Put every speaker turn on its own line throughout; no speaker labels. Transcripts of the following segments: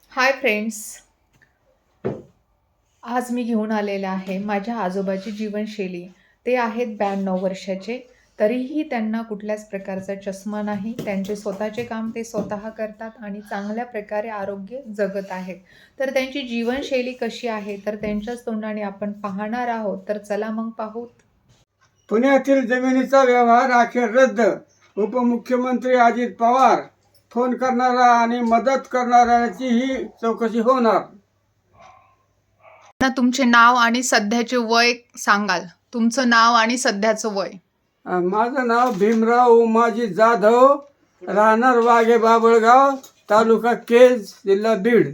Hi friends. आज मी घेऊन आलेले आहे माझ्या आजोबाची जीवनशैली. ते आहेत 92 वर्षाचे. तरीही त्यांना कुठल्याच प्रकारचा चष्मा नाही. त्यांचे स्वतःचे काम ते स्वतः करतात आणि चांगल्या प्रकारे आरोग्य जगत आहेत. तर त्यांची जीवनशैली कशी आहे तर त्यांच्याच तोंडाने आपण पाहणार आहोत. तर चला मग पाहू.
पुण्यातील जमिनीचा व्यवहार अखेर रद्द. उपमुख्यमंत्री अजित पवार. फोन करणारा आणि मदत करणाऱ्याची ही चौकशी होणार.
तुमचे नाव आणि सध्याचे वय सांगाल? तुमचं नाव आणि सध्याचं वय?
माझं नाव भीमराव उमाजी जाधव, राहणार वाघे बाबळगाव, तालुका केज, जिल्हा बीड.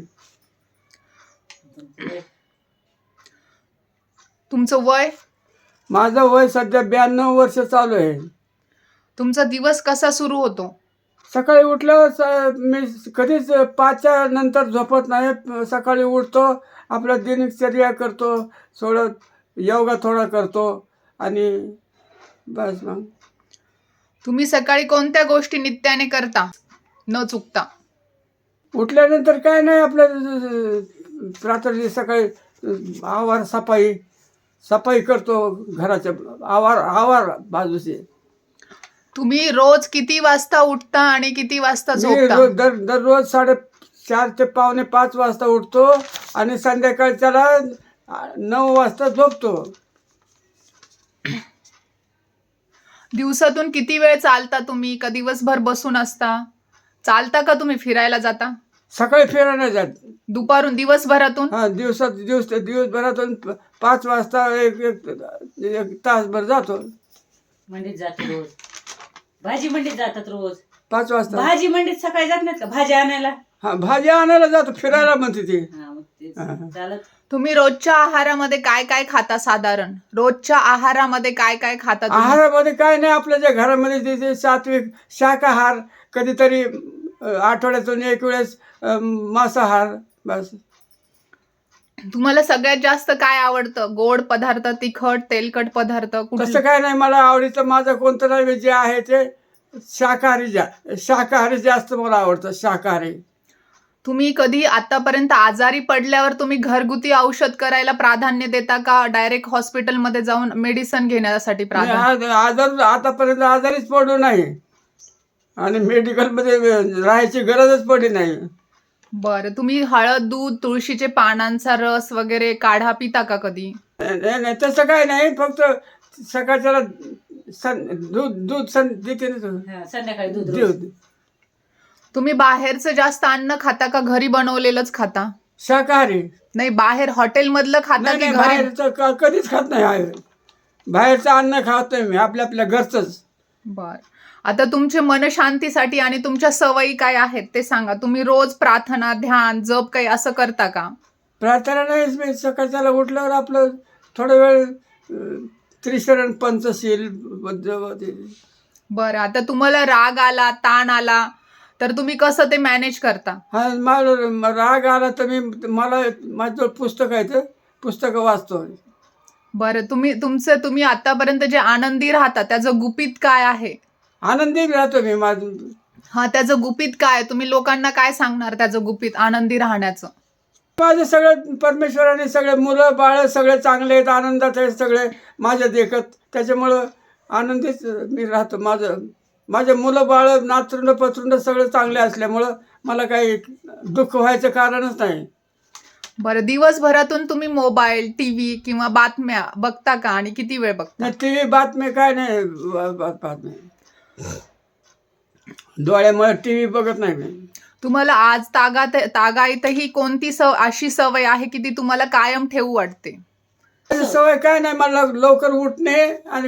तुमचं वय?
माझं वय सध्या 92 वर्ष चालू आहे.
तुमचा दिवस कसा सुरू होतो?
सकाळी उठल्यावर मी कधीच 5च्या नंतर झोपत नाही. सकाळी उठतो, आपला दिनचर्या करतो, थोडं योगा थोडा करतो आणि बस. मग
तुम्ही सकाळी कोणत्या गोष्टी नित्याने करता न चुकता?
उठल्यानंतर काय नाही, आपलं रात्री सकाळी आवार सफाई करतो, घराच्या आवार बाजूचे.
तुम्ही रोज किती वाजता उठता आणि किती वाजता
मी
झोपता?
दररोज 4:30 ते 4:45 वाजता उठतो आणि संध्याकाळच्याला 9 वाजता झोपतो.
दिवसातून किती वेळ चालता तुम्ही? का दिवसभर बसून असता? चालता का तुम्ही? फिरायला जाता?
सकाळी फिरायला जात.
दुपारून? दिवसभरातून?
दिवसभरातून 5 वाजता एक तासभर जातो.
मंडीत जातो रोज. भाजी मंडीत जातात रोज.
5 वाजता
भाजी मंडीत सकाळी जात नाहीत का भाजी आणायला?
भाजी आणायला जातो, फिरायला म्हणते ती.
मग तेच चालत.
तुम्ही रोजच्या आहारामध्ये काय काय खाता साधारण? रोजच्या आहारामध्ये काय काय खाता तुम्ही?
आहारामध्ये काय नाही, आपल्या ज्या घरामध्ये तिथे सात्विक शाकाहार, कधीतरी आठवड्यातून एक वेळेस मांसाहार, बस.
तुम्हाला सगळ्यात जास्त काय आवडतं? गोड पदार्थ, तिखट, तेलकट पदार्थ?
तसं काय नाही, मला आवडीचं माझं कोणतं नाही, जे आहे ते शाकाहारी जास्त मला आवडतं, शाकाहारी.
तुम्ही कधी आतापर्यंत आजारी पडल्यावर तुम्ही घरगुती औषध करायला प्राधान्य देता का डायरेक्ट हॉस्पिटलमध्ये जाऊन मेडिसिन घेण्यासाठी प्राधान्य?
आतापर्यंत आजारीच पडलो नाही आणि मेडिकलमध्ये राहायची गरजच पडली नाही.
बरं. तुम्ही हळद, दूध, तुळशीचे पानांचा रस वगैरे काढा पिता का कधी?
नाही, तसं काय नाही, फक्त सकाळच्याला दूध देते ना.
संध्याकाळी दूध रोज.
तुम्ही बाहेरचं जास्त अन्न खाता का घरी बनवलेलंच खाता?
शाकाहारी.
नाही, बाहेर हॉटेलमधलं खाता
नाही
की
नाही,
घरी?
बाहेरचं कधीच खात नाही. बाहेरचं अन्न खातोय मी, आपल्या घरचंच.
बर. आता तुमच्या मनशांतीसाठी आणि तुमच्या सवयी काय आहेत ते सांगा. तुम्ही रोज प्रार्थना, ध्यान, जप काही असं करता का?
प्रार्थना नाही, मी सकाळच्याला उठल्यावर आपलं थोडा वेळ त्रिशरण पंचशील.
बरं. आता तुम्हाला राग आला, ताण आला तर तुम्ही कसं ते मॅनेज करता?
हा, मला राग आला तर मला माझं पुस्तक आहे, ते पुस्तकं वाचतो.
बरं. तुम्ही आतापर्यंत जे आनंदी राहता त्याचं गुपित काय आहे?
आनंदी राहतो मी. माझं
हा, त्याचं गुपित काय? तुम्ही लोकांना काय सांगणार त्याचं गुपित आनंदी राहण्याचं?
सगळं परमेश्वराने, सगळे मुलं बाळ सगळे चांगले आहेत, आनंदात आहेत सगळे माझ्या देखत. त्याच्यामुळं आनंदीच मी राहतो. माझे मुलं बाळ, नातरुंड पत्रुंड सगळं चांगले असल्यामुळं मला काही दुःख व्हायचं कारणच नाही.
बरं. दिवसभरातून तुम्ही मोबाईल, टीव्ही किंवा बातम्या बघता का आणि किती वेळ बघता?
नाही, टी व्ही बातमी काय नाही, बातमी डोळ्यामुळे टी व्ही बघत नाही मी.
तुम्हाला आज तागायतही कोणती अशी सवय आहे की ती तुम्हाला कायम ठेवू वाटते?
सवय काय नाही, मला लवकर उठणे आणि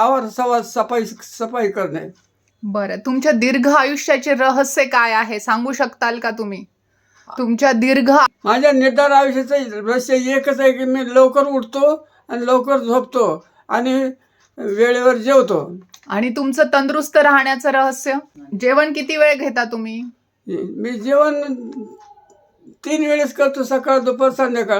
सफाई करणे.
बरं. तुमच्या दीर्घ आयुष्याचे रहस्य काय आहे सांगू शकताल का तुम्ही? तुमच्या
माझ्या निर्धार आयुष्याचं रहस्य एकच आहे की मी लवकर उठतो आणि लवकर झोपतो आणि वेळेवर जेवतो.
आणि तुमचं तंदुरुस्त राहण्याचं रहस्य? जेवण किती वेळ घेता तुम्ही?
मी जेवण 3 वेळेस करतो, सकाळ, दुपार, संध्याकाळ.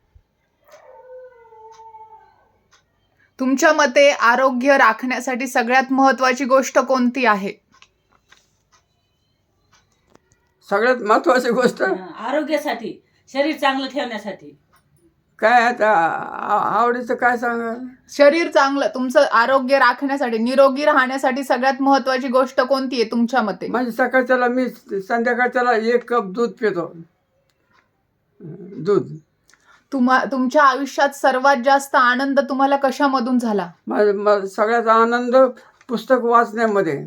तुमच्या मते आरोग्य राखण्यासाठी सगळ्यात महत्त्वाची गोष्ट कोणती आहे?
सगळ्यात महत्वाची गोष्ट
आरोग्यासाठी, शरीर चांगलं ठेवण्यासाठी.
काय आता आवडीचं काय सांगा.
शरीर चांगलं, तुमचं आरोग्य राखण्यासाठी, निरोगी राहण्यासाठी सगळ्यात महत्वाची गोष्ट कोणती आहे तुमच्या मते?
म्हणजे सकाळच्याला मी संध्याकाळच्याला 1 कप दूध पितो. दूध.
तुमच्या आयुष्यात सर्वात जास्त आनंद तुम्हाला कशामधून झाला?
सगळ्यात आनंद पुस्तक वाचण्यामध्ये.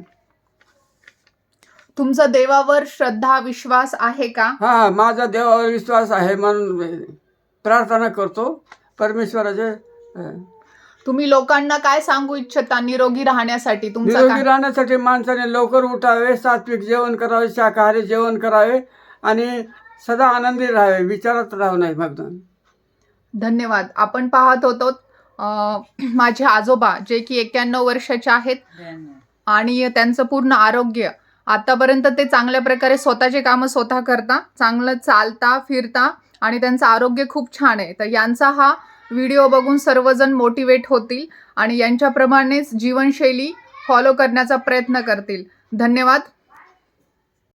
तुमचा देवावर श्रद्धा विश्वास आहे का?
हा, माझा देवावर विश्वास आहे म्हणून प्रार्थना करतो परमेश्वराचे.
तुम्ही लोकांना काय सांगू इच्छिता निरोगी राहण्यासाठी? तुमचा
निरोगी
काय?
राहण्यासाठी माणसाने लवकर उठावे, सात्विक जेवण करावे, शाकाहारी जेवण करावे आणि सदा आनंदी राहावे, विचारात राहू नये. मग
धन्यवाद. आपण पाहत होतो माझे आजोबा जे की 91 वर्षाचे आहेत आणि त्यांचं पूर्ण आरोग्य, आतापर्यंत ते चांगल्या प्रकारे स्वतःचे कामं स्वतः करता, चांगलं चालता फिरता आणि त्यांचं आरोग्य खूप छान आहे. तर यांचा हा व्हिडिओ बघून सर्वजण मोटिवेट होतील आणि यांच्याप्रमाणेच जीवनशैली फॉलो करण्याचा प्रयत्न करतील. धन्यवाद.